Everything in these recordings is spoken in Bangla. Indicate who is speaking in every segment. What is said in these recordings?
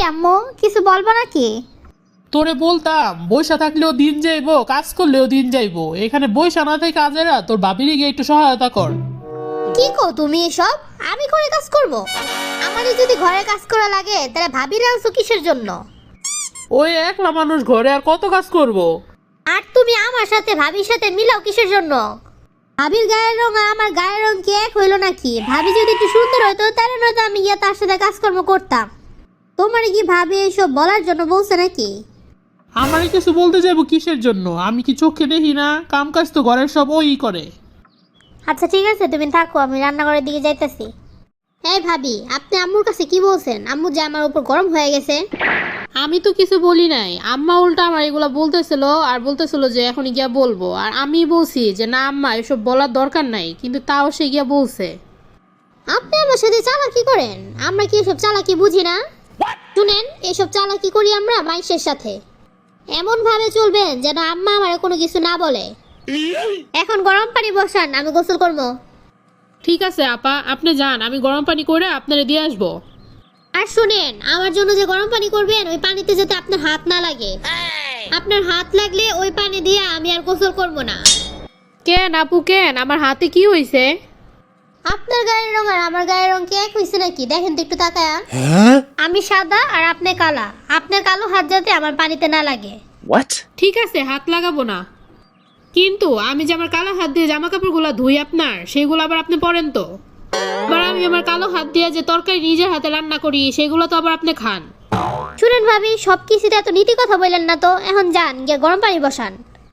Speaker 1: আম্মু কিছু বলবো নাকি?
Speaker 2: তোরে বলতাম বইসা থাকলেও দিন যাইবো, কাজ করলেও দিন যাইবো, এখানে বইসা না থেকে কাজেরা তোর ভাবিরে গিয়ে একটু সহায়তা কর।
Speaker 1: কি কো তুমি এসব? আমি ঘরে কাজ করব? আমারই যদি ঘরে কাজ করা লাগে তাহলে ভাবিরে আনছো কিসের জন্য?
Speaker 2: ওই একলা মানুষ ঘরে আর কত কাজ করব।
Speaker 1: আর তুমি আমার সাথে ভাবির সাথে মিলাও কিসের জন্য? ভাবির গায়ের রং আর আমার গায়ের রং কি এক হইলো নাকি? ভাবি যদি একটু সুন্দর হইতো তাহলে নয়তো আমি গিয়ে তার সাথে কাজকর্ম করতাম। তোমার কি ভাবি এসব বলার জন্য বলছে নাকি?
Speaker 2: আমারে কিছু বলতে যাবো কিসের জন্য? আমি কি চোখে দেখি না? কাম কাজ তো ঘরের সব ওই করে।
Speaker 1: আচ্ছা ঠিক আছে, তুমি থাকো, আমি রান্নাঘরের দিকে যাইতেছি। এই ভাবি, আপনি আম্মুর কাছে কি বলছেন? আম্মু যে আমার উপর গরম হয়ে গেছে।
Speaker 3: আমি তো কিছু বলি নাই, আম্মা উল্টা আমার এগুলা বলতেছিল আর বলতেছিল যে এখন গিয়া বলবো, আর আমি বলছি যে না আম্মা এসব বলার দরকার নাই, কিন্তু তাও সে গিয়া বলছে।
Speaker 1: আপনি আমার সাথে চালাকি করেন? আমরা কি এসব চালাকি বুঝি না? শুনেন, এসব চালাকি করি আমরা মাইশের সাথে। এমন ভাবে চলবেন যেন আম্মা আমার কোনো কিছু না বলে। এখন গরম পানি বসান, আমি গোসল করবো।
Speaker 3: ঠিক আছে আপা, আপনি যান, আমি গরম পানি করে আপনারে দিয়ে আসবো।
Speaker 1: আর শুনেন, আমার জন্য যে গরম পানি করবেন ওই পানিতে যাতে আপনার হাত না লাগে। আপনার হাত লাগলে ওই পানি দিয়ে আমি আর গোসল করবো না।
Speaker 3: কেন আপু কেন, আমার হাতে কি হয়েছে?
Speaker 1: আপনার গায়ের রং আর আমার গায়ের রং কি এক হয়েছে নাকি? দেখেন তো একটু তাকায়া। আমি সাদা আর আপনি কালা। আপনার কালো হাত যাতে আমার পানিতে না লাগে।
Speaker 4: What?
Speaker 3: ঠিক আছে, হাত লাগাবো না, কিন্তু আমি যে আমার কালো হাত দিয়ে জামা কাপড়গুলো ধুই আপনার, সেগুলো আবার আপনি পরেন তো। আবার আমি আমার কালো হাত দিয়ে যে তরকারি নিজের হাতে রান্না করি, সেগুলো তো আবার আপনি খান।
Speaker 1: শুনেন ভাবি, সব কিছুতে এত নীতি কথা বললেন না তো। এখন যান, গিয়ে গরম পানি বসান।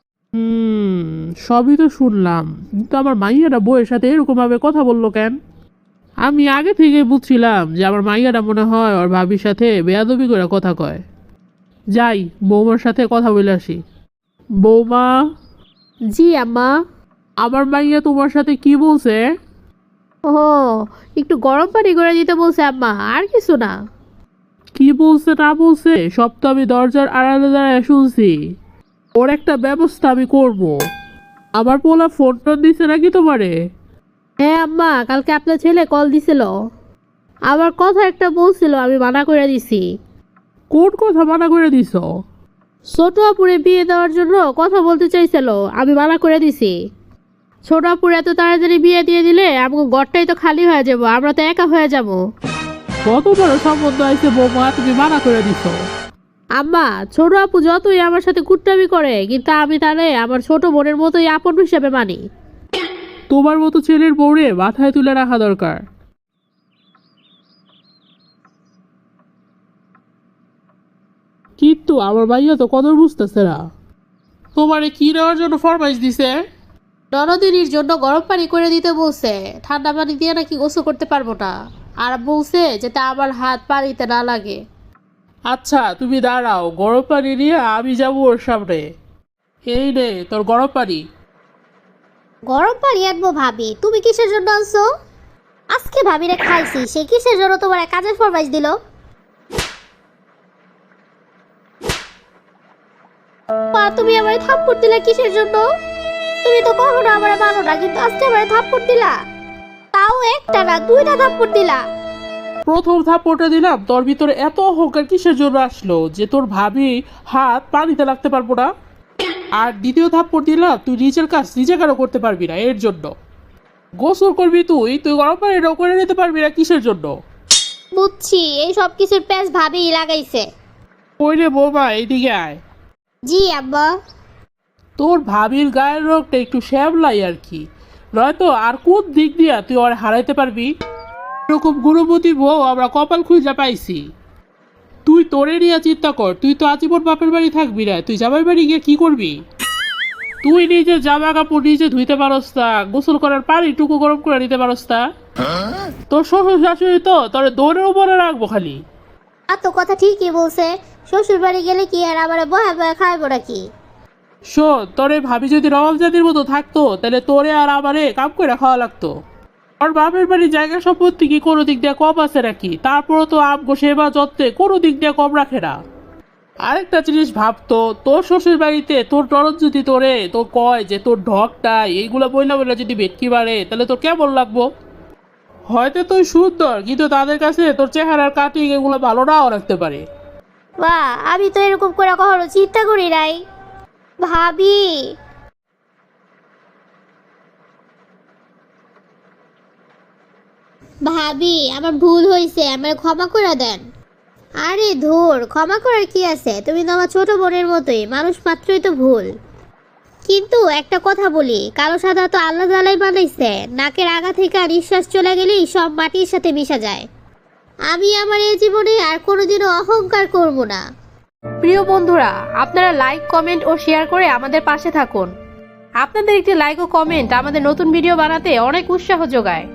Speaker 2: সবই তো শুনলাম, কিন্তু আমার মাইয়াটা বউয়ের সাথে এরকম ভাবে কথা বললো কেন? আমি আগে থেকে বুঝছিলাম যে আমার মাইয়াটা মনে হয় ওর ভাবির সাথে বেয়াদবি করে কথা কয়। যাই, বৌমার সাথে কথা বলে আসি। বৌমা,
Speaker 3: জি আম্মা।
Speaker 2: আমার মাইয়া তোমার সাথে কি বলছে?
Speaker 3: ও, একটু গরম পানি করে দিতে বলছে আম্মা, আর কিছু না।
Speaker 2: কি বলছে না বলছে সব তো আমি দরজার আড়ালে দাঁড়ায় শুনছি। ওর একটা ব্যবস্থা আমি করব। আমার পোলা ফোন টোন দিছে নাকি তোমারে?
Speaker 3: হ্যাঁ আম্মা, কালকে আপনার ছেলে কল দিছিল, আবার কথা একটা বলছিল, আমি মানা করে দিছি।
Speaker 2: কোন কথা মানা করে দিছ?
Speaker 3: ছোট আপুরে বিয়ে দেওয়ার জন্য কথা বলতে চাইছিল, আমি মানা করে দিছি। ছোট আপুর এত তাড়াতাড়ি বিয়ে দিয়ে দিলে আমাকে ঘরটাই তো খালি হয়ে যাব, আমরা তো একা হয়ে যাব।
Speaker 2: কত বড় সম্বন্ধ আছে বৌমা, তুমি মানা করে দিছ?
Speaker 3: আম্মা, ছোট আপু যতই আমার সাথে কুট্টামি করে, কিন্তু আমি তাহলে আমার ছোট বোনের মতোই আপন হিসেবে মানি।
Speaker 2: তোমার মতো ছেলের বউরে মাথায় তুলে রাখা দরকার। কিন্তু আমার ভাইয়া তো কদর বুঝতেছে না। তোমারে কি নেওয়ার জন্য ফরমাইশ দিছে?
Speaker 3: ননদিনীর জন্য গরম পানি করে দিতে বলছে, ঠান্ডা পানি দিয়ে নাকি গোসল করতে পারবো না, আর বলছে যাতে আমার হাত পানিতে না লাগে।
Speaker 2: আচ্ছা তুমি দাঁড়াও, গরম পানি নিয়ে আমি যাবো ওর সামনে। এই নে তোর গরম পানি।
Speaker 1: গরম পানি আনবো ভাবি? তুমি কিসের জন্য আনছো? আজকে ভাবিরে খাইছি, সে কিসের জন্য তোমার কাজের ফরমাইশ দিল? মা, তুমি আমারে থাপ্পড় দিলা কিসের জন্য? তুমি তো কখনো আমারে মানো না, কিন্তু আজকে আমারে থাপ্পড় দিলা। তাও একটা না, দুইটা থাপ্পড় দিলা।
Speaker 2: প্রথম থাপ্পড়টা দিলাম, তোর ভিতরে এত অহংকার কিসের জন্য আসলো যে তোর ভাবি হাত পানিতে লাগতে পারবো না? আর দ্বিতীয় থাপ্পড় দিলাম, তুই নিজের কাজ নিজে কেন করতে পারবি না? এর জন্য। গোসল করবি তুই, তুই গরম পানিটাও করে নিতে পারবি না কিসের জন্য?
Speaker 1: বুঝছি, এই সব কিছুর প্যাচ ভাবিই লাগাইছে।
Speaker 2: ওই রে বৌমা, এইদিকে আয়।
Speaker 1: জি আব্বা।
Speaker 2: তোর ভাবির গায়ের রোগটা একটু শ্যামলাই আর কি, নয়তো আর কোন দিক দিয়া তুই ওর হারাইতে পারবি? এরকম গুণবতী বউ আমরা কপাল খুঁজে পাইছি। তুই তোরে নিয়ে চিন্তা কর, তুই তো আজীবন বাপের বাড়ি থাকবি না, তুই জামাই বাড়ি গিয়ে কি করবি? তুই নিজে জামা কাপড় নিজে ধুইতে পারস তা, গোসল করার পানি টুকু গরম করে নিতে পারস তা? তোর শ্বশুর শাশুড়ি তো তোর দৌড়ের উপরে রাখবো খালি।
Speaker 1: আর তো কথা ঠিকই বলছে, শ্বশুর বাড়ি গেলে কি আর আমারে বয়া বয়া খাইবো নাকি?
Speaker 2: শোন, তোরে ভাবি যদি রবাব জাতির মতো থাকতো তাহলে তোরে আর আমারে কাম করে খাওয়া লাগতো। আর বাপের বাড়ির জায়গা সম্পত্তি কি কোনো দিক দিয়ে কম আছে নাকি? তারপরও তো আমগো সেবা যত্নে কোনো দিক দিয়ে কম রাখে না। আরেকটা জিনিস ভাবতো, তোর শ্বশুর বাড়িতে তোর ননদ যদি তোরে তো কয় যে তোর ঢকটা এইগুলো বইলা বইলা যদি ভেটকি বাড়ে, তাহলে তোর কেমন লাগবো? হয়তো তুই সুন্দর, কিন্তু তাদের কাছে তোর চেহারার কাটিং এগুলো ভালো নাও রাখতে পারে।
Speaker 1: বা আমি তো এরকম করে কখনো চিন্তা করি নাই। ভাবি, ভাবি আমার ভুল হয়েছে, আমার ক্ষমা করে দেন। আরে ধুর, ক্ষমা করার কি আছে, তুমি তো আমার ছোট বোনের মতোই, মানুষ মাত্রই তো ভুল। কিন্তু একটা কথা বলি, কালো সাদা তো আল্লাহ তাআলাই বানাইছে, নাকের আগা থেকে নিঃশ্বাস চলে গেলেই সব মাটির সাথে মিশে যায়। আমি আমার এই জীবনে আর কোনোদিনও অহংকার করব না।
Speaker 3: প্রিয় বন্ধুরা, আপনারা লাইক, কমেন্ট ও শেয়ার করে আমাদের পাশে থাকুন। আপনাদের একটি লাইক ও কমেন্ট আমাদের নতুন ভিডিও বানাতে অনেক উৎসাহ যোগায়।